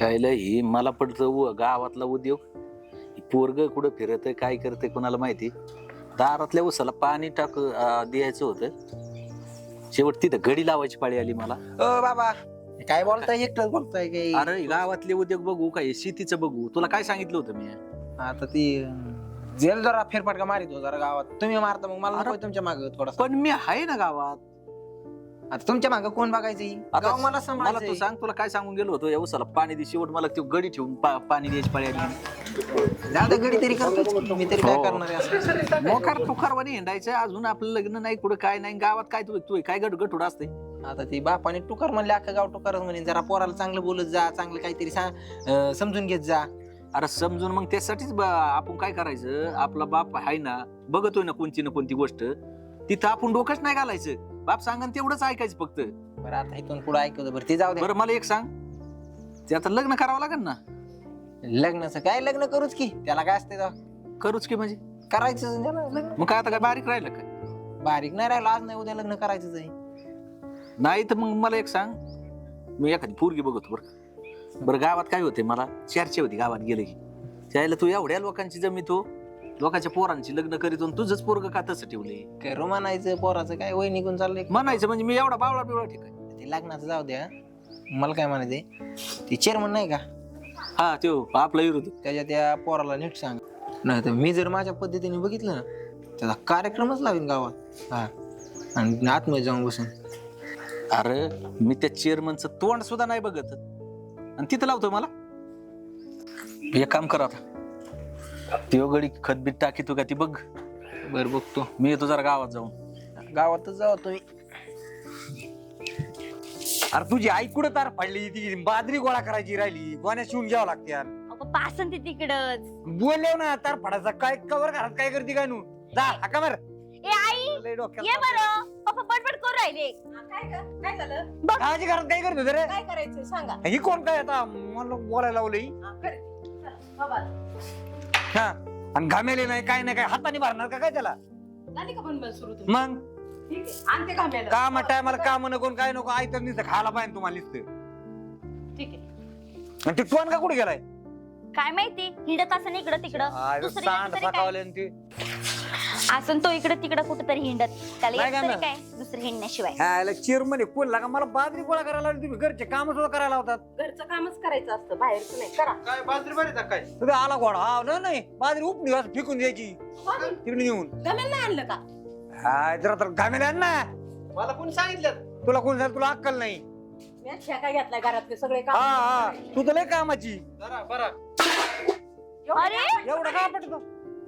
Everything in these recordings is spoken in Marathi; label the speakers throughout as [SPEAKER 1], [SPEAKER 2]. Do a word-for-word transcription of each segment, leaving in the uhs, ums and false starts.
[SPEAKER 1] चायला ही मला पडतं गावातला उद्योग. पोरग कुठं फिरत काय करते कोणाला माहिती. दारातल्या उसाला पाणी टाक द्यायचं होतं. शेवट तिथं घडी लावायची पाळी आली मला.
[SPEAKER 2] ओ बाबा काय बोलताय एकटंच बोलताय काही.
[SPEAKER 1] अरे गावातले उद्योग बघू काय शेतीचं बघू. तुला काय सांगितलं होतं मी.
[SPEAKER 2] आता ती जेल जरा फेरफटका मारित हो जरा गावात. तुम्ही मारता मग मला नको तुमच्या मागे थोडासा.
[SPEAKER 1] पण मी आहे ना गावात.
[SPEAKER 2] आता तुमच्या मागे कोण बघायचं.
[SPEAKER 1] आता
[SPEAKER 2] गाव मला
[SPEAKER 1] मला तू सांग तुला काय सांगून गेलो होतो. या उसाला पाणी दे. शेवट मला ती गडी ठेवून पाणी द्यायची पाळी आली.
[SPEAKER 2] दादा गडी तरी करतो मी तरी काय करणार आहे.
[SPEAKER 1] मोकार तुकारवाणी हिंडायचं. अजून आपलं लग्न नाही कुठं काय नाही. गावात काय तू तू काय गट गटुड असते.
[SPEAKER 2] आता ती बापाने टुकार म्हणले अख्खा गाव टुकारच म्हणे. जरा पोराला चांगलं बोलत जा. चांगलं काहीतरी सांग समजून घेत जा.
[SPEAKER 1] अरे समजून मग त्यासाठीच आपण काय करायचं. आपला बाप आहे ना बघतोय ना कोणती ना कोणती गोष्ट. तिथं आपण डोकंच नाही घालायचं. बाप सांगन तेवढंच ऐकायचं फक्त.
[SPEAKER 2] बरं आता इथून पुढे ऐकवतो. बरं ते जाऊ दे.
[SPEAKER 1] बरं मला एक सांग. ते आता लग्न करावं लागेल ना.
[SPEAKER 2] लग्नाचं काय लग्न करूच की. त्याला काय असते
[SPEAKER 1] करूच की म्हणजे
[SPEAKER 2] करायचं लग्न.
[SPEAKER 1] मग काय आता काय बारीक राहिलं काय.
[SPEAKER 2] बारीक नाही राहिलं आज नाही उद्या लग्न करायचंच आहे.
[SPEAKER 1] नाही तर मग मला एक सांग. मी एखादी पोरगी बघतो बरं. बरं गावात काय होते मला चर्चा होती गावात गेले की. त्याला तू एवढ्या लोकांची जमीतो लोकांच्या पोरांची लग्न करीत तुझंच पोरग का तसं ठेवले.
[SPEAKER 2] काय म्हणायचं पोराचं काय वय निघून चाललंय
[SPEAKER 1] म्हणायचं म्हणजे मी एवढा बावळा बिवळा ठीक आहे.
[SPEAKER 2] ते लग्नाचं जाऊ द्या. मला काय म्हणायचंय ते चेअरमन नाही का.
[SPEAKER 1] हा तो आपला विरोध.
[SPEAKER 2] त्याच्या त्या पोराला नीट सांग. नाही तर मी जर माझ्या पद्धतीने बघितलं ना त्याचा कार्यक्रमच लावीन गावात. हा आणि आतमध्ये जाऊन बसून.
[SPEAKER 1] अरे मी त्या चेअरमनचं तोंड सुद्धा नाही बघत आणि तिथं लावतोय मला. एक काम कर आता. ती गडी खतबीत टाकी तू का ती बघ.
[SPEAKER 2] बर बघतो.
[SPEAKER 1] मी येतो जरा गावात जाऊन.
[SPEAKER 2] गावातच जाऊ तुम्ही.
[SPEAKER 3] अरे तुझी आई कुठं तार पडली. ती बाजरी गोळा करायची राहिली. गोण्या शिवून घ्यावं लागते यार.
[SPEAKER 4] पासन ते तिकडच
[SPEAKER 3] बोलले ना तार पडायचा काय कवर घरात काय करते काय नू. जा हाका बर.
[SPEAKER 4] ए आई ये बरं. पप्पा बडबड करू राहिले.
[SPEAKER 5] काय ग? काय झालं?
[SPEAKER 3] काळजी घरात काय करत होते रे.
[SPEAKER 5] काय करायचं सांगा.
[SPEAKER 3] ही कोण काय आता मला बोलायला लावलं ही.
[SPEAKER 5] हा, कर. चला, बाबा.
[SPEAKER 3] हा आणि घामेले नाही काय नाही काय हाताने भरणार का काय त्याला.
[SPEAKER 5] झाली का बनबन सुरू तुम्ही?
[SPEAKER 3] मग
[SPEAKER 5] ठीक आहे. आणते घाम्याला.
[SPEAKER 3] काम टायमाला काम नको काय नको. आई तर नुसतं खायला पाहिजे तुम्हाला नुसतं.
[SPEAKER 5] ठीक आहे.
[SPEAKER 3] आणि ते टोन का कुठे गेलाय.
[SPEAKER 4] काय माहिती हिंडत असं इकडं तिकडं.
[SPEAKER 3] सांड सकावले ते.
[SPEAKER 4] असं तो इकडं तिकडं कुठेतरी हिंडत. त्याला
[SPEAKER 3] नाही
[SPEAKER 4] एक
[SPEAKER 3] का
[SPEAKER 4] तरी
[SPEAKER 3] मग?
[SPEAKER 4] काय दुसरं हिंडण्याशिवाय.
[SPEAKER 3] ह्याला चिरमने कोण लागा मला बाजरी गोळा करायला लावली. तुम्ही घरचे काम सुद्धा करायला होतात.
[SPEAKER 5] घरचं कामच करायचं असतं बाहेरचं नाही. करा.
[SPEAKER 2] काय बाजरी बरी काय
[SPEAKER 3] तुझा आला घोडा. हा नाही, नाही बाजरी उपली असं फेकून द्यायची तिकडे नेऊन.
[SPEAKER 5] घाम्याला नाही आणलं का?
[SPEAKER 3] हा जरा तर घामेले आण ना.
[SPEAKER 2] मला कोणी सांगितलं.
[SPEAKER 3] तुला कोण सांग तुला अक्कल नाही.
[SPEAKER 5] मी आज शेका घेतलाय घरातले सगळे
[SPEAKER 3] हा
[SPEAKER 5] काम.
[SPEAKER 3] हा तू तर लय कामाची.
[SPEAKER 2] जरा बरा
[SPEAKER 4] अरे
[SPEAKER 3] एवढं काय पटतो.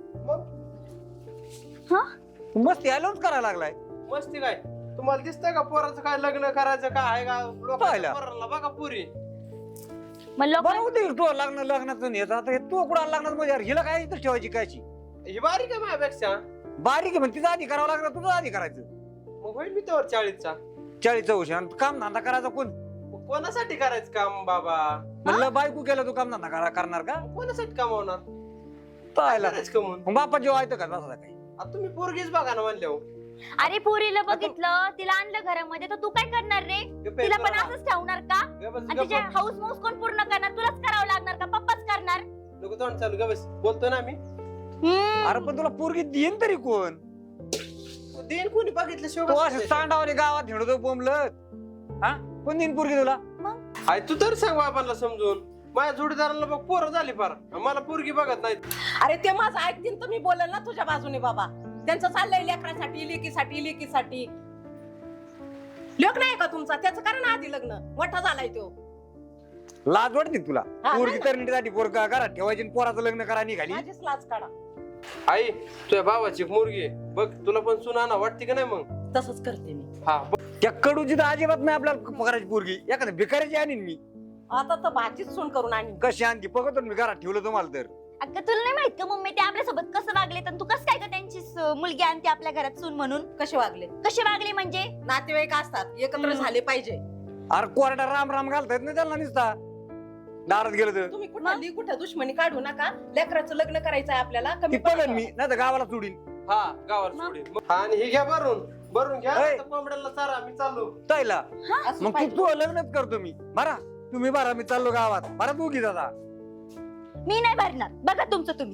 [SPEAKER 4] हा
[SPEAKER 3] तू मस्ती आलोच करायला लागलाय.
[SPEAKER 2] मस्ती काय तुम्हाला दिसतंय का पोराचं काय लग्न करायचं काय आहे का.
[SPEAKER 3] पाहिलं.
[SPEAKER 2] पोराला बघा पुरी.
[SPEAKER 4] मग लोक
[SPEAKER 3] बरं होते तू लग्न लग्नाचं नाही आता हे तू कुठं लग्नात म्हणजे यार हिला काय इथं ठेवायची कायची.
[SPEAKER 2] ही बारीक आहे माझ्यापेक्षा.
[SPEAKER 3] बारीक आहे म्हणजे तिचा आधी करावं लागणार तुझं आधी करायचं.
[SPEAKER 2] मग होईल मी त्यावर चाळीसचा.
[SPEAKER 3] चाळीसचं वर्ष आणि काम धंदा करायचा कोण.
[SPEAKER 2] मग कोणासाठी करायचं काम बाबा.
[SPEAKER 3] म्हणलं बायको केलं तू काम धंदा करा- करणार का.
[SPEAKER 2] मग कोणासाठी कमावणार.
[SPEAKER 3] पाहिला
[SPEAKER 2] करायचं कमवून.
[SPEAKER 3] मग बापा जेव्हा येतं का तसा काही.
[SPEAKER 2] आता तुम्ही पोरगीच बघा ना म्हणले.
[SPEAKER 4] अरे पोरीला बघितलं तिला आणलं घरामध्ये तर तू काय करणार रे. तिला पण असंच ठेवणार का. आणि तिच्या हाऊस माऊस कोण पूर्ण करणार. तुलाच करावं लागणार का पप्पाच करणार.
[SPEAKER 2] नको तोंड चालू ग बस. बोलतो ना आम्ही.
[SPEAKER 4] हम्म.
[SPEAKER 3] अरे पण तुला पोरगी देईन तरी कोण.
[SPEAKER 2] देईन कोणी बघितलं
[SPEAKER 3] तू असं
[SPEAKER 2] शेवट.
[SPEAKER 3] सांडावणे गावात हिंडतो बोंबलत. हा कोण देईन पोरगी तुला.
[SPEAKER 2] आय तू तर सांग बाबांना समजून. माझ्या जोडीदाराला बघ पोरं झाली फार. मला पोरगी बघत नाही.
[SPEAKER 5] अरे ते माझं ऐकतील तर मी बोलेल ना तुझ्या बाजूने बाबा. त्यांचं चाललंय लेकरासाठी लेकीसाठी लेकीसाठी. लेक नाही का तुमचा. त्याचं करा ना आधी लग्न. मोठा झालाय तो.
[SPEAKER 3] लाज वाटते का तुला.
[SPEAKER 5] हा,
[SPEAKER 3] पोरगी
[SPEAKER 5] नाही
[SPEAKER 3] तरण्यासाठी पोरगा घरात ठेवायची आणि पोराचं लग्न करा निघाली.
[SPEAKER 5] माझीच लाज काढा.
[SPEAKER 2] आई तुझ्या भावाची एक मुलगी आहे. बघ तुला पण सुना ना वाटते का नाही मग.
[SPEAKER 5] तसंच करते मी.
[SPEAKER 2] हा बघ.
[SPEAKER 3] त्या कडूची तर अजिबात नाही आपल्याला पगाराची पोरगी. एखाद्या भिकाऱ्याची आणीन मी.
[SPEAKER 5] आता तर भाजीच सून करून आणि
[SPEAKER 3] कशी आणखी बघतो मी घरात ठेवलं तुम्हाला तर.
[SPEAKER 4] अगं तुला नाही माहित का मम्मी ते आपल्या सोबत कसं वागले. तर तू कसं काय का त्यांची स- मुलगी आणते आपल्या घरात सून म्हणून.
[SPEAKER 5] कसे वागले.
[SPEAKER 4] कशी वागली म्हणजे.
[SPEAKER 5] नातेवाईक असतात एकत्र झाले पाहिजे.
[SPEAKER 3] अरे कोरडा राम राम घालता येत नाही त्याला निसता. दारात गेलं तर
[SPEAKER 5] तुम्ही कुठली कुठं दुश्मनी काढू नका. लेकराचं लग्न करायचंय आपल्याला.
[SPEAKER 3] ती
[SPEAKER 5] कमी
[SPEAKER 3] बघन मी नाही तर गावाला सोडीन.
[SPEAKER 2] हा गावात
[SPEAKER 4] मग?
[SPEAKER 2] सोडीन. मग- हा, आणि हे घ्या भरून भरून घ्या.
[SPEAKER 3] ऐ.
[SPEAKER 2] आता कोंबड्याला चारा मी चाललो.
[SPEAKER 3] ताईला
[SPEAKER 5] असं
[SPEAKER 3] मग तू
[SPEAKER 5] पाहिजे.
[SPEAKER 3] तू लग्नच करतो मी बरा. तुम्ही भरा मी चाललो गावात भरा दोघी दादा.
[SPEAKER 4] मी नाही भरणार, बघा तुमचं तुम्ही.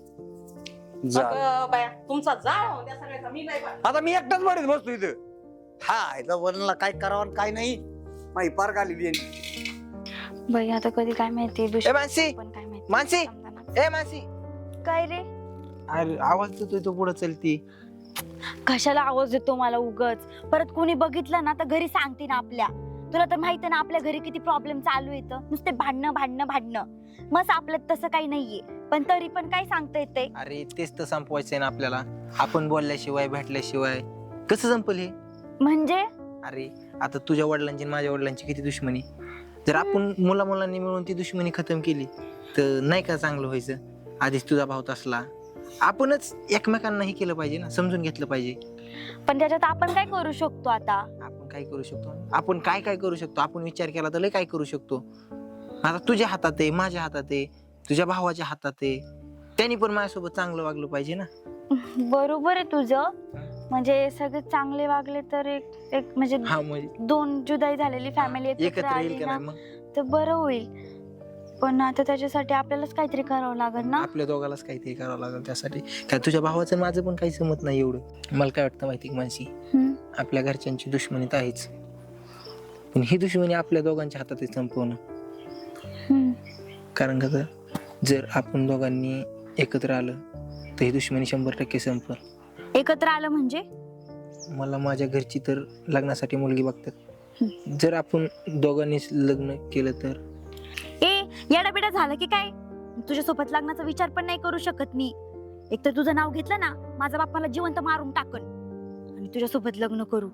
[SPEAKER 5] अगं बाया, तुमचा जाळ होऊन द्या सगळ्याचा, मी नाही भरणार.
[SPEAKER 3] आता मी एकटाच भरीत बसतो इथं. हा याचा वरणला काय करावं आणि काय नाही माही पार आलेली आहे.
[SPEAKER 4] बाई आता कधी काय माहिती
[SPEAKER 2] ए मानसी,
[SPEAKER 4] पण काय माहिती
[SPEAKER 2] मानसी,
[SPEAKER 4] समजा
[SPEAKER 2] ए मानसी.
[SPEAKER 4] ना. काय रे,
[SPEAKER 2] अरे आवाज देतोय तो पुढे चलती.
[SPEAKER 4] कशाला आवाज देतो मला उगच? परत कोणी बघितलं ना तर घरी सांगते ना आपल्या. तुला तर माहिती आहे ना आपल्या घरी किती प्रॉब्लेम चालू येतं, नुसते भांडणं भांडणं भांडणं. मग आपल्यात तसं काही नाहीये, पण तरी पण काय सांगता येते.
[SPEAKER 2] अरे तेच तर संपवायचंय ना आपल्याला. आपण बोलल्याशिवाय भेटल्याशिवाय कसं संपल हे?
[SPEAKER 4] म्हणजे
[SPEAKER 2] अरे आता तुझ्या वडिलांची आणि माझ्या वडिलांची किती दुश्मनी. जर आपण मुला मुलांनी मिळून ती दुश्मनी खतम केली तर नाही का चांगलं व्हायचं? आधीच तुझा भाव असला, आपणच एकमेकांना हे केलं पाहिजे ना, समजून घेतलं पाहिजे.
[SPEAKER 4] पण त्याच्यात आपण काय करू शकतो आता?
[SPEAKER 2] आपण काय करू शकतो? आपण काय काय करू शकतो? आपण विचार केला तर लय काय करू शकतो. आता तुझ्या हातात आहे, माझ्या हातात आहे, तुझ्या भावाच्या हातात आहे. त्यांनी पण माझ्यासोबत चांगलं वागलं पाहिजे ना.
[SPEAKER 4] बरोबर आहे तुझं. म्हणजे सगळे चांगले वागले तर एक एक म्हणजे
[SPEAKER 2] हा म्हणजे
[SPEAKER 4] दोन जुदाई झालेली फॅमिली एकत्र
[SPEAKER 2] एकत्र येईल
[SPEAKER 4] आली
[SPEAKER 2] का
[SPEAKER 4] ना
[SPEAKER 2] नाही मग?
[SPEAKER 4] तर बरं होईल. पण आता त्याच्यासाठी आपल्यालाच काहीतरी करावं लागेल ना.
[SPEAKER 2] आपल्या दोघालाच काहीतरी करावं लागेल त्यासाठी. काय तुझ्या भावाचं आणि माझं पण काही समत नाही एवढं. मला काय वाटतं माहिती मानसी,
[SPEAKER 4] हम्म.
[SPEAKER 2] आपल्या घरच्यांची दुश्मनी तर आहेच, पण ही दुश्मनी आपल्या दोघांच्या हातात आहे संपवणं.
[SPEAKER 4] हम्म.
[SPEAKER 2] कारण कसं, जर आपण दोघांनी एकत्र आलं तर ही दुश्मनी शंभर टक्के संपल.
[SPEAKER 4] एकत्र आलं म्हणजे
[SPEAKER 2] मला माझ्या घरची तर लग्नासाठी मुलगी बघतात. जर आपण दोघांनीच लग्न केलं तर
[SPEAKER 4] ए येडाबिडा झालं की काय? तुझ्यासोबत लग्नाचा विचार पण नाही करू शकत मी. एक तर तुझं नाव घेतलं ना, माझा बाप मला जिवंत मारून टाकन आणि तुझ्यासोबत लग्न करू.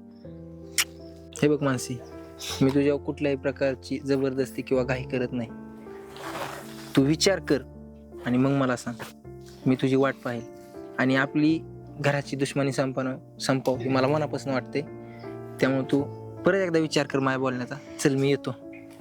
[SPEAKER 2] हे बघ मानसी, मी तुझ्या कुठल्याही प्रकारची जबरदस्ती किंवा घाई करत नाही. तू विचार कर आणि मग मला सांग. मी तुझी वाट पाहिल आणि आपली घराची दुश्मनी संपवणं संपव हे मला मनापासून वाटते. त्यामुळे तू परत एकदा विचार कर माझ्या बोलण्याचा. चल मी येतो.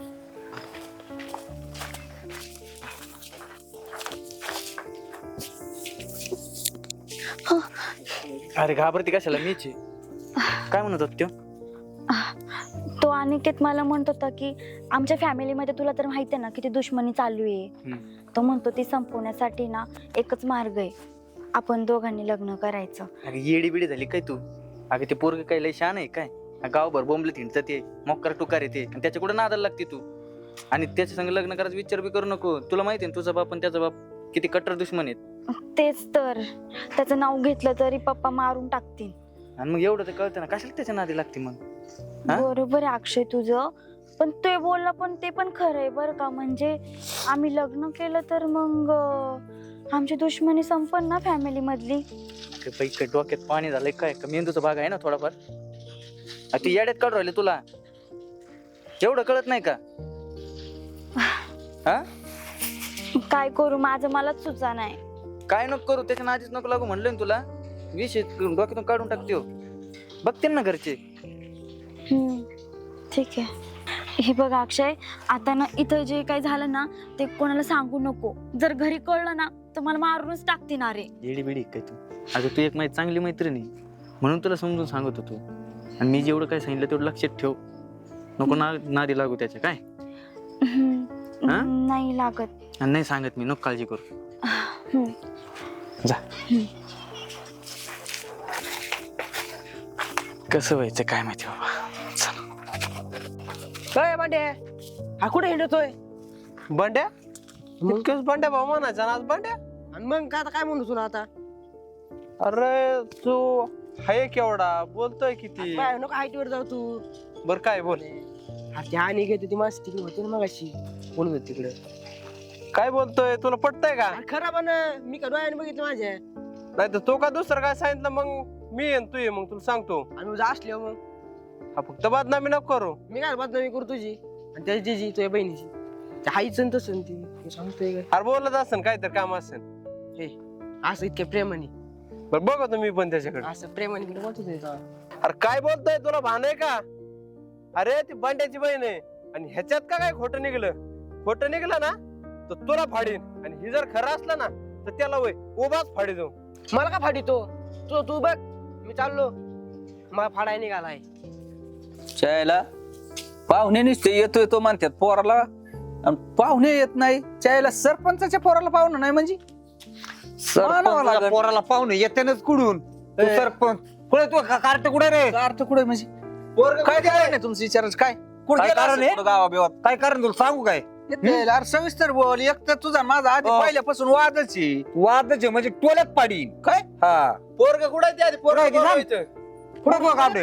[SPEAKER 6] अरे घाबरती कशाला? मीच आहे. काय म्हणत होत त्यो?
[SPEAKER 4] तो अनिकेत मला म्हणत होता की आमच्या फॅमिलीमध्ये तुला तर माहिती आहे ना किती दुश्मनी चालू आहे.
[SPEAKER 6] हम्म.
[SPEAKER 4] तो म्हणतो ती संपवण्यासाठी ना एकच मार्ग आहे, आपण दोघांनी लग्न करायचं.
[SPEAKER 6] अगं येडी बिडी झाली काय तू? अगं ते पोरग काय लय शान आहे काय? गावभर बोंबले थिंडत ते मोक्कर टुकार येते आणि त्याच्या कुठे नादाला लागते तू. आणि त्याच्या संग लग्न करायचा विचार बी करू नको. तुला माहिती आहे तुझा बाप आणि त्याचा बाप किती कट्टर दुश्मन आहेत.
[SPEAKER 4] तेच तर, त्याचं नाव घेतलं तरी पप्पा मारून टाकतील.
[SPEAKER 6] आणि मग एवढं ते कळतं ना, कशाला त्याच्या नादी लागते मग? हा?
[SPEAKER 4] बरोबर आहे अक्षय तुझं, पण ते बोलला पण ते पण खरं आहे बरं का. म्हणजे आम्ही लग्न केलं तर मग अं, आमची दुश्मनी संपन ना फॅमिली मधली.
[SPEAKER 6] अगं बाई, काय डोक्यात पाणी झालंय काय? का मेंदूचा भाग आहे ना थोडाफार? अगं ती येड्यात काढू राहिले तुला, एवढं कळत नाही का? हा
[SPEAKER 4] काय करू, माझं मलाच सुचा नाही.
[SPEAKER 6] काय नको करू, त्याच्या नादीच नको लागू म्हणलं ना तुला. विषय डोक्यातून काढून टाकते. बघते ना घरचे.
[SPEAKER 4] हम्म, ठीक आहे. हे बघ अक्षय, आता ना इथं जे काही झालं ना ते कोणाला सांगू नको. जर घरी कळलं ना तर मला मारूनच टाकते ना रे.
[SPEAKER 6] येडी बिडी काय तू? अगं तू एक माझी चांगली मैत्रिणी म्हणून तुला समजून सांगत होतो. आणि मी जेवढं काय सांगितलं तेवढं लक्षात ठेव. नको ना नादी लागू त्याच्या. काय हा?
[SPEAKER 4] नाही लागत.
[SPEAKER 6] आणि नाही सांगत मी, नको काळजी करू.
[SPEAKER 4] हम्म.
[SPEAKER 6] जा. कसं व्हायचं काय माहिती बाबा.
[SPEAKER 7] काय बंड्या, हा कुठे हिंडतोय?
[SPEAKER 8] बंड्या इतकंच बंड्या भाऊ म्हणायचा ना आज बंड्या.
[SPEAKER 7] आणि मग काय आता काय म्हणतो तुला आता?
[SPEAKER 8] अरे तू हाय केवढा बोलतोय किती.
[SPEAKER 7] काय नको हाईट वर जाऊ तू.
[SPEAKER 8] बर काय बोल.
[SPEAKER 7] हा ती आणि घेते ती माणसं तिकडे होती ना मगाशी, बोलत होती तिकडे.
[SPEAKER 8] काय बोलतोय, तुला पटतंय का?
[SPEAKER 7] अरे खरं पण मी का डोळ्याने बघितलं माझ्या.
[SPEAKER 8] नाही तर तो का दुसरं काय सांगितलं मग मी येईन तू ये मग तुला सांगतो.
[SPEAKER 7] आणि उद्या असले मग
[SPEAKER 8] हा फक्त बदनामी नको करू.
[SPEAKER 7] मी काय बदनामी करू तुझी आणि त्याची जीजी तुझ्या बहिणीची. त्या हाईचं तसं ती तू सांगतोय काय
[SPEAKER 8] अरे बोलत असेल काहीतरी काम असेल.
[SPEAKER 7] हे असं इतक्या प्रेमाने.
[SPEAKER 8] बर बघतो मी पण त्याच्याकडे.
[SPEAKER 7] असं प्रेमाने कुठे बोलतो ते तेव्हा.
[SPEAKER 8] अरे काय बोलतोय, तुला भान आहे का? अरे ती बंड्याची बहीण आहे आणि ह्याच्यात का काय खोटं निघलं? खोटं निघलं ना तर तुला फाडीन, आणि ही जर खरं असलं ना तर त्याला वय उभाच फाडी जाऊ.
[SPEAKER 7] मला का फाडीतो तू? तू बघ मी चाललो, मला फाडाय निघालाय.
[SPEAKER 6] चायला
[SPEAKER 1] पाहुणे नुसते येतोय तो म्हणतात पोराला आणि पाहुणे येत नाही त्याला सरपंचाच्या पोराला पाहुणं नाही म्हणजे मानावं
[SPEAKER 3] सरपंचाच्या
[SPEAKER 1] लागेल.
[SPEAKER 3] पोराला पाहुणे येतेनच कुडून तू
[SPEAKER 1] ए.
[SPEAKER 3] सरपंच कुठे तू कार्ट कुठे रे
[SPEAKER 1] का अर्थ कुठे म्हणजे काय कारण आहे तुमचं विचारायचं काय कुठं
[SPEAKER 3] काय
[SPEAKER 1] गेला
[SPEAKER 3] कारण
[SPEAKER 1] असेल
[SPEAKER 3] आहे?
[SPEAKER 1] कुठं गावाबिवात?
[SPEAKER 3] काय कारण तुला सांगू काय
[SPEAKER 1] येते, अरे सविस्तर बोल एक तर तुझा माझा आधी
[SPEAKER 3] हो.
[SPEAKER 1] पहिल्यापासून वादच आहे.
[SPEAKER 3] वादच आहे म्हणजे टोल्यात पाडीन
[SPEAKER 1] काय
[SPEAKER 3] हा
[SPEAKER 1] पोरग कुठे ते आधी पोरग
[SPEAKER 3] कुठं आहे
[SPEAKER 1] बोलवायचं.
[SPEAKER 3] ते कुठे तू काढ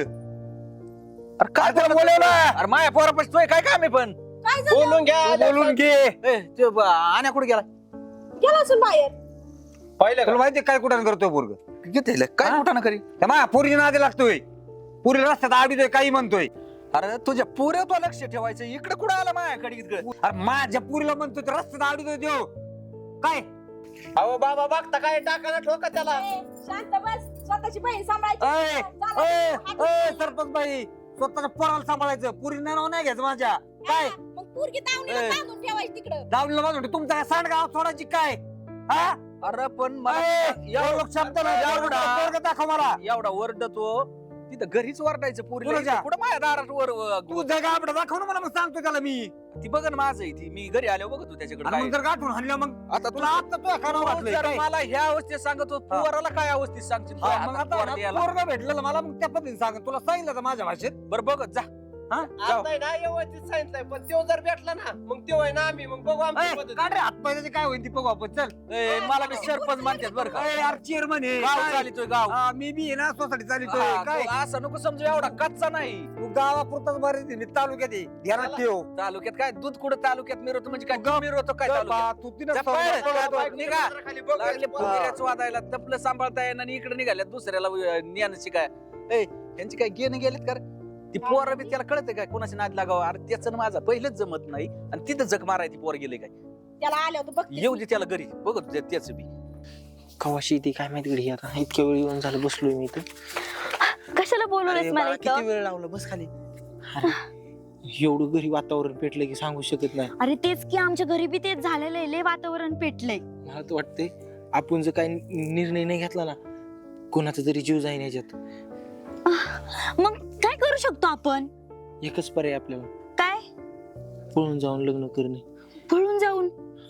[SPEAKER 1] अरे काय
[SPEAKER 3] तुला
[SPEAKER 1] बोलत
[SPEAKER 3] बोलवलं?
[SPEAKER 1] होता? अरे माया पोरापाशी तोय काय काम आहे पण
[SPEAKER 5] काय झालं
[SPEAKER 1] बोलून घ्या
[SPEAKER 3] बोलून घे
[SPEAKER 1] ए, ते ब- आण्या कुठे गेला
[SPEAKER 5] गेला असून बाहेर
[SPEAKER 1] पाहिलं
[SPEAKER 3] तुला माहिती काय कुठं करतोय पोरग
[SPEAKER 1] किती काय
[SPEAKER 3] हा?
[SPEAKER 1] कुठं ना करी
[SPEAKER 3] त्या माझ्या पोरीच्या नादी लागतोय पुरी रस्त्यात आडीतोय काही म्हणतोय
[SPEAKER 1] अरे तुझ्या पुऱ्या तो लक्ष ठेवायचं इकडे कुठं आला माझ्याकडे इकडे
[SPEAKER 3] अरे माझ्या पुरीला म्हणतोय तर रस्त्यात आडीतोय देव काय
[SPEAKER 1] अहो बाबा बघता काय टाकायला ठोका त्याला
[SPEAKER 5] शांत बस स्वतःची बहीण
[SPEAKER 3] अय,
[SPEAKER 5] सांभाळायची
[SPEAKER 3] अय,
[SPEAKER 5] झालं,
[SPEAKER 3] अय,
[SPEAKER 5] हात-
[SPEAKER 3] सरपंच बाई स्वतःच्या पोराला सांभाळायचं पुरीला नाव नाही घ्यायचं माझ्या काय
[SPEAKER 5] हा, मग पोरगी दावणीला
[SPEAKER 3] ए.
[SPEAKER 5] बांधून ठेवायची तिकडं
[SPEAKER 3] दावणीला माझं तुमचा काय सांडगाव सोडायची काय हा
[SPEAKER 1] अरे पण मला
[SPEAKER 3] अय, एवढं शब्द नाही, एवढं पोरगं दाखव मला
[SPEAKER 1] एवढा वरडतो तिथं घरीच वरडायचं पुरीला
[SPEAKER 3] कुणाच्या?
[SPEAKER 1] कुठं माझ्या दारात वर
[SPEAKER 3] तू
[SPEAKER 1] वर-
[SPEAKER 3] जगा आपलं दाखव ना मला मग सांगतो त्याला मी
[SPEAKER 1] ती बघ ना माझं आहे ती मी घरी आलो बघतो त्याच्याकडे
[SPEAKER 3] आणि
[SPEAKER 1] काय.
[SPEAKER 3] मग जर गाठून हाणलं मग
[SPEAKER 1] आता
[SPEAKER 3] तुला आता तुझ्या कानावर
[SPEAKER 1] तू
[SPEAKER 3] घातलंय
[SPEAKER 1] जर
[SPEAKER 3] काय?
[SPEAKER 1] मला ह्या अवस्थेत सांगतो
[SPEAKER 3] हा.
[SPEAKER 1] पोराला काय अवस्थेत सांगशील
[SPEAKER 3] हा,
[SPEAKER 1] तुझ्या
[SPEAKER 3] मग
[SPEAKER 1] हातात
[SPEAKER 3] आता
[SPEAKER 1] पोर
[SPEAKER 3] ना
[SPEAKER 1] द्यायला.
[SPEAKER 3] पोरगं भेटलेलं मला मग त्या पद्धतीने सांग तुला सांगितलं तर माझ्या भाषेत
[SPEAKER 1] बरं बघत जा
[SPEAKER 3] हा जाऊ.
[SPEAKER 8] आता ना व्यवस्थित सांगितलंय पण तो जर भेटला ना मग तो आहे ना आम्ही मग बघू आमची
[SPEAKER 3] अय,
[SPEAKER 8] पद्धत.
[SPEAKER 3] काढ रे हातपायचे काय होईल ती बघू आपण चल
[SPEAKER 1] ए, मला मी सरपंच म्हणतात बरं का
[SPEAKER 3] अय, यार चेअरमन आहे
[SPEAKER 1] गाव
[SPEAKER 3] काय?
[SPEAKER 1] चालितोय गाव
[SPEAKER 3] हा, मी बी आहे ना सोसायटी चालितोय
[SPEAKER 1] हा,
[SPEAKER 3] काय
[SPEAKER 1] तू असं नको समजू एवढा कच्चा नाही
[SPEAKER 3] तू गावापुरताच बरे मी तालुक्यात आहे ध्यानात ठेव
[SPEAKER 1] तालुक्यात काय दूध कुठं तालुक्यात मिरवतो म्हणजे काय तू मिरवतो काय तालुक्यात
[SPEAKER 3] बा, तू तिनं
[SPEAKER 1] जा
[SPEAKER 3] समजा-
[SPEAKER 1] पळ,
[SPEAKER 3] समजा-
[SPEAKER 1] बाईक निघा.
[SPEAKER 8] खाली बघ.
[SPEAKER 1] लागले फुगेऱ्याच वादायला तपलं सांभाळता येईना आणि इकडे निघाल्यात दुसऱ्याला ज्ञान शिकाय ए यांची काय गेन गेलेत का रे? ती पोर बी त्याला कळते काय कोणाची नाद लागावं अरे त्याचं आणि माझा पहिलेच जमत नाही आणि तिथं जग माराय ती पोर गेले काय
[SPEAKER 5] त्याला आले होते बघ
[SPEAKER 1] येऊ दे त्याला घरी बघत त्याच बी
[SPEAKER 2] कवाशी ती काय माहिती घडी आता इतक्या वेळ येऊन झालं बसलोय मी इथं
[SPEAKER 4] कशाला बोलवलंस
[SPEAKER 2] अरे
[SPEAKER 4] मला
[SPEAKER 2] बाळा,
[SPEAKER 4] इथं
[SPEAKER 2] किती वेळ लावलं बस खाली अरे, एवढं घरी वातावरण पेटलं की सांगू शकत नाही
[SPEAKER 4] अरे तेच की आमच्या घरी बी तेच झालेलं आहे लय वातावरण पेटलंय
[SPEAKER 2] मला तर वाटतंय आपण जर काही निर्णय नाही घेतला ना कोणाचा तरी जीव जाईन याच्यात
[SPEAKER 4] मग काय करू शकतो आपण
[SPEAKER 2] एकच पर्याय आपल्याला
[SPEAKER 4] काय
[SPEAKER 2] पळून जाऊन लग्न करणे
[SPEAKER 4] पळून जाऊन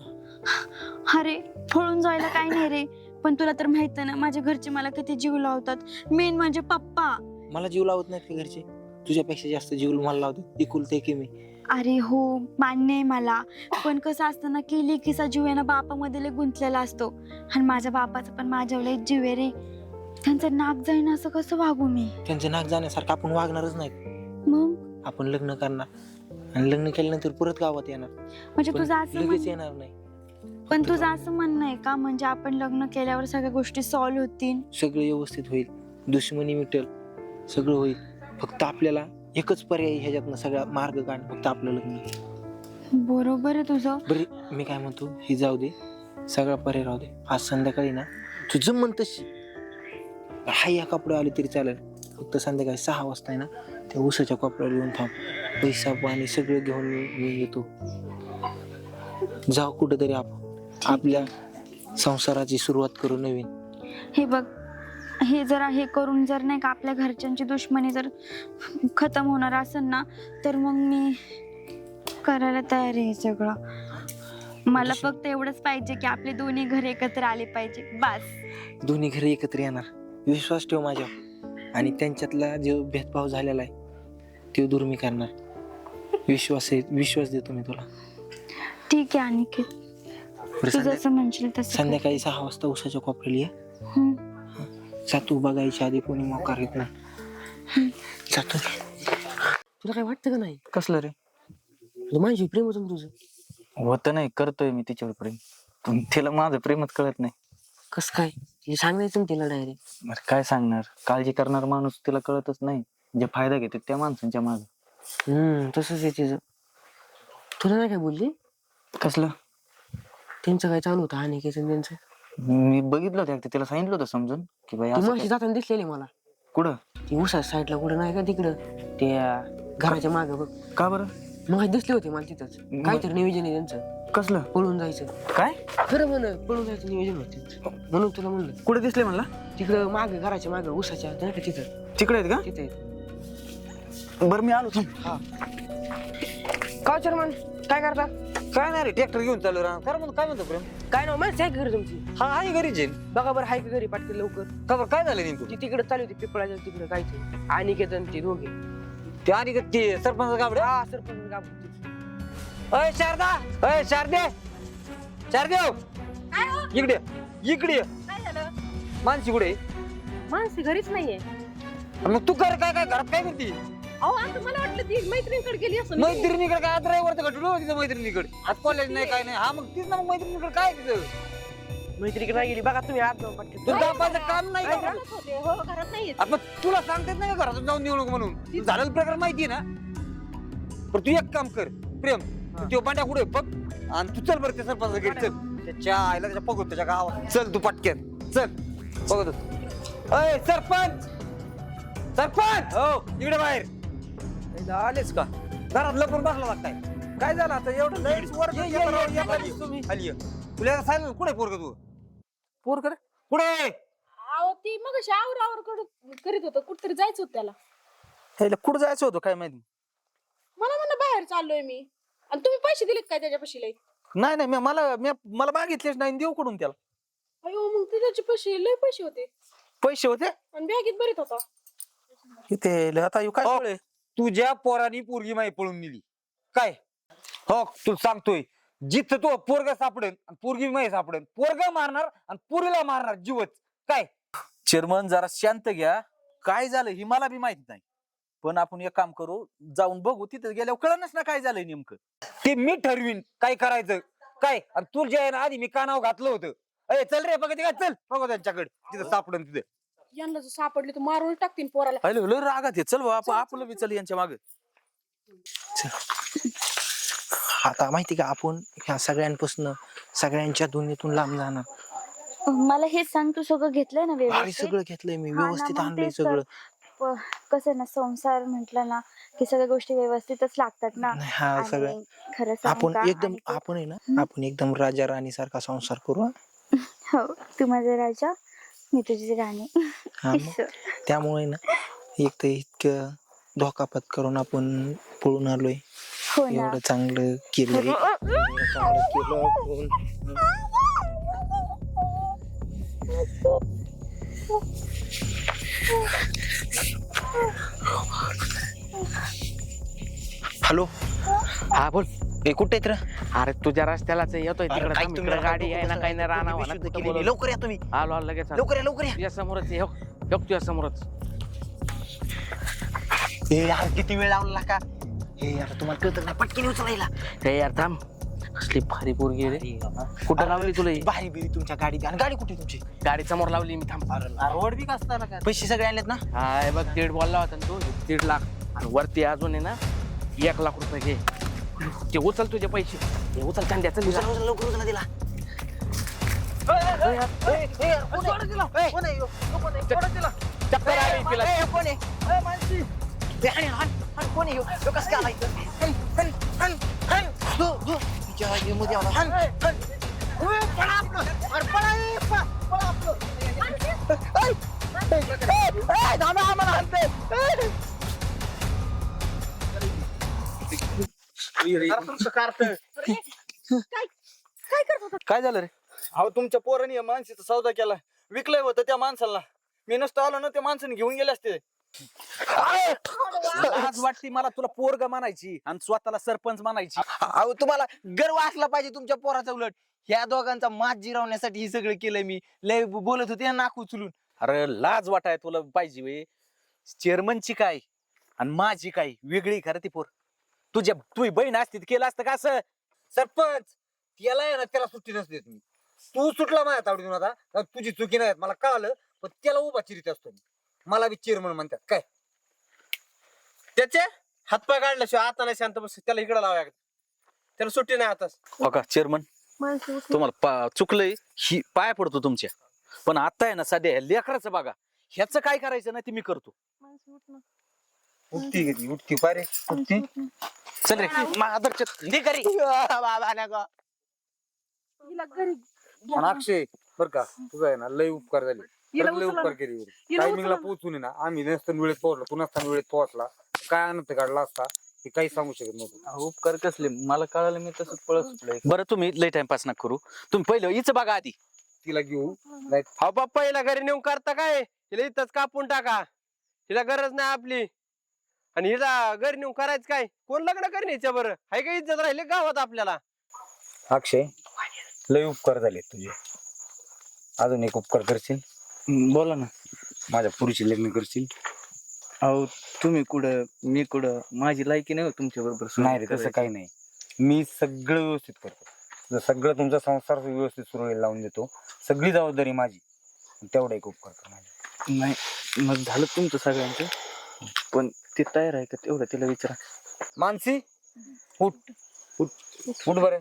[SPEAKER 4] अरे पळून जायला काय नाही रे पण तुला तर माहित आहे ना माझ्या घरचे मला किती जीव लावतात मेन म्हणजे पप्पा
[SPEAKER 2] मला जीव लावत नाहीत का घरचे तुझ्यापेक्षा जास्त जीव मला लावतात एकुलते की मी
[SPEAKER 4] अरे हो मान्य आहे मला पण कसं असतं ना की लेकीचा जीव आहे ना बापामध्ये लय गुंतलेला असतो आणि माझ्या बापाचा पण माझ्यावर लय जीव आहे रे त्यांचं नाक जाईन असं कसं वागू मी
[SPEAKER 2] त्यांचं नाक जाण्यासारखं आपण वागणारच नाही
[SPEAKER 4] मग
[SPEAKER 2] आपण लग्न करणार आणि लग्न केल्यानंतर परत गावात येणार
[SPEAKER 4] म्हणजे
[SPEAKER 2] पण
[SPEAKER 4] तुझं असं
[SPEAKER 2] लगेच
[SPEAKER 4] म्हण-
[SPEAKER 2] येणार नाही
[SPEAKER 4] पण तुझं असं म्हणणं आहे का म्हणजे आपण लग्न केल्यावर सगळ्या गोष्टी सॉल्व्ह होतील
[SPEAKER 2] सगळं व्यवस्थित होईल दुश्मनी मिटेल सगळं होईल फक्त आपल्याला एकच पर्याय ह्याच्यातनं सगळा मार्ग काढ फक्त आपलं लग्न
[SPEAKER 4] बरोबर आहे तुझं
[SPEAKER 2] बरं मी काय म्हणतो ही जाऊ दे सगळा पर्याय राहू दे आज संध्याकाळी ना तुझं मन तशी हा या कपडे आले तरी चालेल फक्त संध्याकाळी सहा वाजता आहे ना त्या उसाच्या कपड्याला येऊन थांब पैसा पाणी सगळं घेऊन मी मी येतो जाऊ कुठेतरी आपण आपल्या संसाराची सुरुवात करू नवीन
[SPEAKER 4] हे बघ हे जर हे करून जर नाही का आपल्या घरच्यांची दुश्मनी जर खतम होणार असेल ना तर मग मी करायला तयार आहे हे सगळं मला फक्त एवढंच पाहिजे की आपले दोन्ही घर एकत्र आले पाहिजे बस
[SPEAKER 2] दोन्ही घरी एकत्र येणार विश्वास ठेव माझ्यावर आणि त्यांच्यातला जो भेदभाव झालेला आहे तो दूर मी करणार विश्वास आहे विश्वास देतो मी तुला
[SPEAKER 4] ठीक आहे अनिकेत
[SPEAKER 2] बरं,
[SPEAKER 4] तू
[SPEAKER 2] संध्या-
[SPEAKER 4] जसं म्हणशील तसं कर.
[SPEAKER 2] संध्याकाळी सहा वाजता उसाच्या कोपऱ्याला ये
[SPEAKER 4] हम्म.
[SPEAKER 2] जातो बघायच्या आधी कोणी मोकार येत नाही जातो
[SPEAKER 7] तुला काय वाटतं का नाही
[SPEAKER 6] कसलं रे
[SPEAKER 7] तुला माझी प्रेम होतं ना तुझं
[SPEAKER 6] होतं नाही करतोय मी तिच्यावर प्रेम पण तिला माझं प्रेमच कळत नाही
[SPEAKER 7] कसं काय हे सांगायचं ना तिला डायरेक्ट
[SPEAKER 6] बरं काय सांगणार काळजी करणार माणूस तिला कळतच नाही जे फायदा घेते त्या माणसांच्या माग
[SPEAKER 7] हम्म तसंच आहे तिचं तुला नाही काय बोलली
[SPEAKER 6] कसलं
[SPEAKER 7] त्यांचं काय चालू होतं आणि काय त्यांचं
[SPEAKER 6] मी बघितलं होतं एकदा तिला सांगितलं होतं समजून की बाई
[SPEAKER 7] ती
[SPEAKER 6] असं
[SPEAKER 7] माशी
[SPEAKER 6] काय-
[SPEAKER 7] जाताना दिसलेली मला
[SPEAKER 6] कुठं
[SPEAKER 7] ती उसा साईडला कुठं नाही का तिकडं त्या घराच्या मागं बघ
[SPEAKER 6] का बरं
[SPEAKER 7] मग दिसले होते मला तिथंच काहीतरी नियोजन आहे त्यांचं
[SPEAKER 6] कसलं
[SPEAKER 7] पळून जायचं
[SPEAKER 6] काय
[SPEAKER 7] खरं म्हण पळून जायचं नियोजन होतं त्यांचं. म्हणून तुला म्हणलं
[SPEAKER 6] कुठे दिसले म्हणला
[SPEAKER 7] तिकडं मागं घराच्या मागं उसाच्या नाही का तिथं
[SPEAKER 6] तिकडे आहेत का
[SPEAKER 7] तिथे
[SPEAKER 3] बरं मी आलो थांब.
[SPEAKER 7] का चेअरमन काय करता
[SPEAKER 3] काय नाही रे ट्रॅक्टर घेऊन चालू राहा काय म्हणतो काय म्हणतो प्रेम
[SPEAKER 7] काय नाव माणसं आहे का घरी तुमची
[SPEAKER 3] हा आहे घरीच आहे.
[SPEAKER 7] बघा बरं हाय का घरी पाटके लवकर
[SPEAKER 3] का बरं काय झालं नेमकं
[SPEAKER 7] ती तिकडे चालू होती पिपळाच्या तिकडे काय ते आणि केतन ते दोघे
[SPEAKER 3] ते आणि का ते सरपंच गाबड्या
[SPEAKER 7] हा सरपंच गाव
[SPEAKER 3] अय शारदा अय शारदे शारदे हो. इकडे इकडे ये.
[SPEAKER 5] काय झालं
[SPEAKER 3] मानसी कुठे
[SPEAKER 5] माणसी घरीच नाहीये
[SPEAKER 3] मग तू कर काय काय घरात काय करते
[SPEAKER 5] अहो आता मला वाटलं ती मैत्रिणीकडे गेली असं
[SPEAKER 3] मैत्रिणीकडे काय ड्रायव्हर तर घटलो तिथं मैत्रिणीकडे आज कॉलेज नाही काय नाही हा मग तीच ना मग मैत्रिणीकडे काय तिथं
[SPEAKER 7] मैत्रिणी नाही गेली बघा तुम्ही आज जाऊ पाटके
[SPEAKER 3] तुझं दाबाचं काम नाही का
[SPEAKER 5] होते हो घरात नाहीये
[SPEAKER 3] आपण तुला सांगतेच नाही का घरातून जाऊन निवडणूक म्हणून तुला झालेलं प्रकार माहिती ना पण तू एक काम कर प्रेम तू तो पांड्या कुठे बघ आणि तू चल बरं ते सरपंच गेट चल त्याच्या आईला त्याच्या बघू त्याच्या गावात चल तू पटक्यात चल बघतो अय सरपंच सरपंच हो इकडे बाहेर आलेच का घरात लपून बसला लागताय काय झालं आता एवढं लयच वर खाली तुला सांगितलं कुठे पोरग तू पोरग कुठे
[SPEAKER 5] अहो ती मग आवर आवर करीत होतं कुठतरी जायचं होतं त्याला
[SPEAKER 1] ह्याला कुठं जायचं होतं काय माहिती
[SPEAKER 5] मला म्हणलं बाहेर चाललोय मी आणि तुम्ही पैसे दिलेत काय त्याच्यापाशी लय
[SPEAKER 1] नाही नाही मी मला मी मला मागितलेच नाही देऊ कुठून त्याला
[SPEAKER 5] अयो मग ते त्याचे पैसे लय पैसे होते
[SPEAKER 1] पैसे होते
[SPEAKER 5] आणि बॅगेत बरीत होता
[SPEAKER 1] इथे आता ह्यो काय
[SPEAKER 3] हो.
[SPEAKER 1] कळेल?
[SPEAKER 3] तुझ्या पोरानी पोरगी माही पळून नेली काय हो तू सांगतोय जिथं तो पोरग सापडेल आणि पोरगी माही सापडेल पोरग मारणार आणि पोरीला मारणार जीवच काय
[SPEAKER 1] चेअरमन जरा शांत घ्या काय झालं ही मला बी माहित नाही पण आपण एक काम करू जाऊन बघू तिथे गेल्यावर कळणच ना काय झालंय नेमकं
[SPEAKER 3] ते मी ठरवीन काय करायचं काय आणि तुझ्या आहे ना आधी मी कानावर घातलं होतं अरे चल रे बघा ते काय चल बघा त्यांच्याकडे तिथं सापडन तिथे
[SPEAKER 5] यांना जर सापडले तर मारून टाकतील पोराला
[SPEAKER 1] हॅलो लय रागात आहे चल बाबा आपलं बी चल यांच्या मागे
[SPEAKER 2] आता माहिती का आपण ह्या सगळ्यांपासून सगळ्यांच्या दोन्हीतून लांब जाणार
[SPEAKER 4] मला हेच सांग तू सगळं घेतलंय ना
[SPEAKER 2] भारी
[SPEAKER 4] व्यवस्थित
[SPEAKER 2] सगळं घेतलंय मी
[SPEAKER 4] हा ना,
[SPEAKER 2] व्यवस्थित
[SPEAKER 4] मग
[SPEAKER 2] आणलंय
[SPEAKER 4] तेच तर.
[SPEAKER 2] सगळं
[SPEAKER 4] प- कसं ना संसार म्हटलं ना की सगळ्या गोष्टी व्यवस्थितच लागतात ना
[SPEAKER 2] नाही, हा सगळं
[SPEAKER 4] आणि खरं सांगू
[SPEAKER 2] आपण
[SPEAKER 4] का?
[SPEAKER 2] एकदम
[SPEAKER 4] आणि ते-
[SPEAKER 2] आपण आहे ना आपण एकदम राजा राणी सारखा संसार करू हं?
[SPEAKER 4] हो तू माझा राजा मी तुझी राणी
[SPEAKER 2] हा मग त्यामुळे ना एक तर इतकं धोका पत्करून आपण पळून आलोय
[SPEAKER 4] हो ना
[SPEAKER 2] एवढं चांगलं केलंय एवढं चांगलं केलं आपण. हॅलो
[SPEAKER 6] हा बोल
[SPEAKER 2] ए कुठे आहेत रे?
[SPEAKER 6] अरे तुझ्या रस्त्यालाच येतोय
[SPEAKER 2] अरे,
[SPEAKER 6] तिकडे
[SPEAKER 2] काय तुम्ही
[SPEAKER 6] तिकडे
[SPEAKER 2] नका
[SPEAKER 6] गाडी
[SPEAKER 2] डोकं
[SPEAKER 6] आहे ना
[SPEAKER 2] बसवा.
[SPEAKER 6] काही नाही राहणार
[SPEAKER 2] तुम्ही
[SPEAKER 6] म्हणा,
[SPEAKER 2] बेशुद्ध
[SPEAKER 6] कुठं
[SPEAKER 2] केलेली.
[SPEAKER 6] बोलत.
[SPEAKER 2] लवकर या तुम्ही
[SPEAKER 6] आलो आलो लगेच आलो.
[SPEAKER 2] लवकर या लवकर या
[SPEAKER 6] तुझ्या समोरच ये, हो हो, तुझ्या समोरच
[SPEAKER 2] ए यार किती वेळ लावला का हे यार तुम्हाला कळत नाही पटकन उचलायला
[SPEAKER 6] हे यार थांब कसली भारी पोरगी आहे रे कुठं लावली तुला ही?
[SPEAKER 2] बाहेर बिरी तुमच्या गाडीत आणि गाडी कुठे तुमची
[SPEAKER 6] गाडी समोर लावली मी थांब
[SPEAKER 2] रोड बी कसला काय पैसे सगळे आणलेत ना
[SPEAKER 6] हाय बघ दीड बोलला होता ना तू दीड लाख आणि वरती अजून आहे ना एक लाख रुपये घे ते उचल तुझे पैसे हे उचल चांद्या चल
[SPEAKER 2] उचला, उचला, लवकर उचला दिला
[SPEAKER 6] चक्कर आली तिला
[SPEAKER 1] काय झालं रे
[SPEAKER 8] अहो तुमच्या पोराने या माणसाचा सौदा केला विकलंय होतं त्या माणसाला मी नसतो आलो ना त्या माणसाने घेऊन गेले असते
[SPEAKER 1] आज वाटती मला तुला पोरग मानायची आणि स्वतःला सरपंच मानायची
[SPEAKER 2] अहो तुम्हाला गर्व असला पाहिजे तुमच्या पोराचा उलट ह्या दोघांचा मात जिरवण्यासाठी हे सगळं केलंय मी लय बोलत होते ना नाक उचलून
[SPEAKER 1] अरे लाज वाटाय तुला पाहिजे वे चेअरमनची काय आणि माझी काय वेगळी खरं ती पोर तुझ्या तुझी बहीण असती तर केलं असतं का असं
[SPEAKER 3] सरपंच त्याला आहे ना त्याला सुट्टी नसते मी तू सुटला माझ्या तावडीतून आता तर तुझी चुकी नाही मला कळालं पण त्याला उभा चिरीत असतो मी मला बी चेअरमन म्हणतात काय
[SPEAKER 8] त्याचे हातपाय काढल्याशिवाय आता नाही शांत बस त्याला इकडे लावा त्याला सुट्टी नाही आताच
[SPEAKER 1] बघा चेअरमन तुम्हाला पा- चुकलंय ही पाय पडतो तुमच्या पण आता आहे ना सध्या ह्या लेकराचं बघा ह्याचं काय करायचं ना ते मी करतो
[SPEAKER 3] उठती घेतली उठती पारे उठती
[SPEAKER 1] चल रे आदरच्या
[SPEAKER 3] आणि अक्षय बर का तुझा आहे ना लय उपकार झाले
[SPEAKER 5] हिला
[SPEAKER 3] खरंच लय
[SPEAKER 5] उचला
[SPEAKER 3] उपकार
[SPEAKER 5] ना.
[SPEAKER 3] केले
[SPEAKER 5] हिला
[SPEAKER 3] टायमिंगला
[SPEAKER 5] उचला.
[SPEAKER 3] पोहोचून आहे ना आम्ही नसताना वेळेत पोहोचलो तू नसताना वेळेत पोहोचला काय आणत काढला असता हे काही सांगू शकत नव्हतं.
[SPEAKER 6] अहो, उपकार कसले मला कळालं मी तसंच पळत सुटलोय.
[SPEAKER 1] बरं तुम्ही लय टाइमपास नका करू. तुम्ही पहिलं हिच बघा आधी.
[SPEAKER 3] तिला घेऊ
[SPEAKER 8] हा बाप्पा हिला घरी नेऊन करता काय हिला इथंच कापून टाका. हिला गरज नाही आपली. आणि हिला घरी नेऊन करायचं काय कोण लग्न करण्याच्या बरं हाय का इज्जत राहिले गावात आपल्याला.
[SPEAKER 3] अक्षय लय उपकार झाले तुझे. अजून एक उपकार करशील?
[SPEAKER 6] हम्म, बोला ना.
[SPEAKER 3] माझ्या पुरीशी लग्न करशील?
[SPEAKER 6] अहो तुम्ही कुठं मी कुठं माझी लायकी नाही हो तुमच्या बरोबर.
[SPEAKER 3] नाही रे तसं काही नाही. मी सगळं व्यवस्थित करतो. तुझं सगळं तुमचा संसार व्यवस्थित सुरू लावून देतो. सगळी जबाबदारी माझी. तेवढा एक उपकार कर माझ्या.
[SPEAKER 6] नाही मग झालं तुमचं सगळ्यांचं. पण ती तयार आहे का तेवढं तिला विचारा.
[SPEAKER 3] मानसी उठ उठ उठ बरं.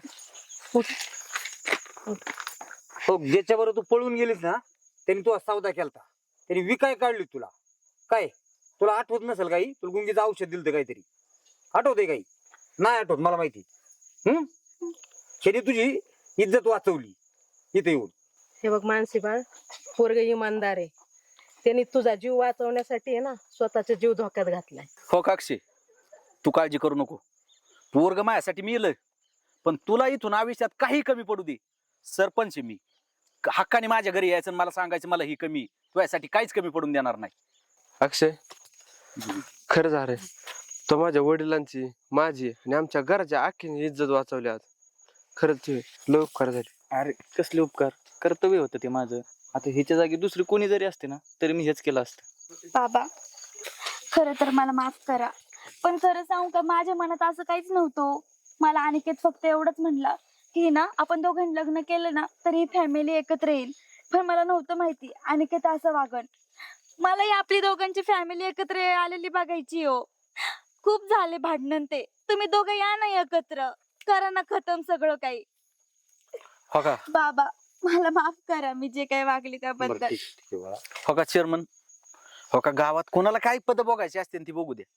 [SPEAKER 3] हो ज्याच्या बरोबर तू पळून गेलीस ना त्यांनी तू सौदा केलता. त्यांनी विकाय काढली तुला. काय तुला आठवत नसेल काही? तुला गुंगीचं औषध दिलं होतं काहीतरी. आठवतंय काही? नाही आठवत मला माहिती. हम्म शेती तुझी इज्जत वाचवली इथे येऊन.
[SPEAKER 5] हे बघ मानसी बाळ, पोरग इमानदार आहे. त्यांनी तुझा जीव वाचवण्यासाठी आहे ना स्वतःचा जीव धोक्यात घातलाय.
[SPEAKER 1] हो काक्षी तू काळजी करू नको. पोरग माझ्यासाठी मी येलं पण तुला इथून आयुष्यात काही कमी पडू दे. सरपंच आहे मी. हक्काने माझ्या घरी यायचं आणि मला सांगायचं मला ही कमी तुझ्यासाठी काहीच कमी पडून देणार नाही.
[SPEAKER 8] अक्षय खरं झालंय तो माझ्या वडिलांची माझी आणि आमच्या घराच्या आखीने इज्जत वाचवली आज. खरंच ते लय उपकार झाले.
[SPEAKER 6] अरे कसले उपकार. कर्तव्य होतं ते माझं. आता ह्याच्या जागी दुसरी कोणी जरी असते ना तरी मी हेच केलं असतं.
[SPEAKER 4] बाबा खरं तर मला माफ करा पण खरं सांगू का माझ्या मनात असं काहीच नव्हतं. मला अनिकेत फक्त एवढंच म्हणला की ना आपण दोघांनी लग्न केलं ना तर ही फॅमिली एकत्र येईल. पण मला नव्हतं माहिती अनिकेत असं वागण. मला ही आपली दोघांची फॅमिली एकत्र आलेली बघायची हो. खूप झाले भांडण ते. तुम्ही दोघं या ना एकत्र करा ना खतम सगळं काही.
[SPEAKER 1] हो का
[SPEAKER 4] बाबा मला माफ करा मी जे काही वागली त्याबद्दल.
[SPEAKER 1] हो का चेअरमन. हो का गावात कोणाला काय पद बघायची असते ती बघू दे.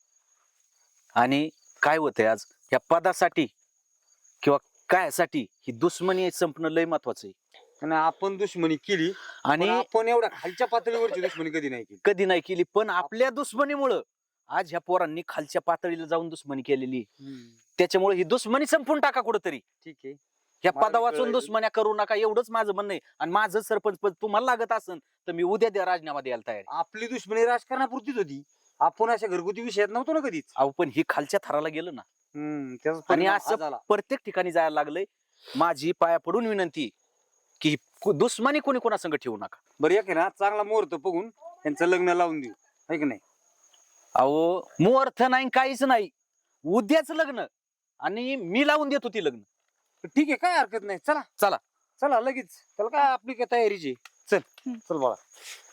[SPEAKER 1] आणि काय होतंय आज या पदासाठी किंवा कायसाठी ही दुश्मनी संपणं लय महत्वाचं आहे.
[SPEAKER 3] आणि आपण दुश्मनी केली
[SPEAKER 1] आणि
[SPEAKER 3] आणि आपण एवढ्या खालच्या पातळीवरची दुश्मनी कधी नाही केली.
[SPEAKER 1] कधी नाही केली पण आपल्या दुश्मनीमुळं आज ह्या पोरांनी खालच्या पातळीला जाऊन दुश्मनी केलेली. त्याच्यामुळे ही दुश्मनी संपून टाका कुठंतरी.
[SPEAKER 3] ठीक आहे.
[SPEAKER 1] ह्या
[SPEAKER 3] मला
[SPEAKER 1] पदा वाचून
[SPEAKER 3] कळलं.
[SPEAKER 1] दुश्मन्या करू नका एवढंच माझं म्हणणं आहे. आणि माझं सरपंच पद तुम्हाला लागत असेल तर मी उद्या द्या राजीनामा द्यायला तयार आहे.
[SPEAKER 3] आपली दुश्मनी राजकारणापुरतीच होती. आपण अशा घरगुती विषयात नव्हतो ना कधीच.
[SPEAKER 1] अहो पण ही खालच्या थराला गेलं ना
[SPEAKER 3] हम्म त्याचा
[SPEAKER 1] आणि
[SPEAKER 3] परिणाम हा
[SPEAKER 1] असं
[SPEAKER 3] झाला.
[SPEAKER 1] प्रत्येक ठिकाणी जायला लागलंय. माझी पाया पडून विनंती की ही दुश्मनी कोणी कोणासंग ठेवू नका.
[SPEAKER 3] बरं एक आहे ना चांगला मुहूर्त बघून त्यांचं लग्न लावून देऊ है की नाही?
[SPEAKER 1] अहो मुहूर्त नाही काहीच नाही. उद्याच लग्न आणि मी लावून देतो ती लग्न.
[SPEAKER 3] ठीक आहे काय हरकत नाही. चला
[SPEAKER 1] चला
[SPEAKER 3] चला लगेच. त्याला काय आपली काय तयारीची. चल चल बाळा.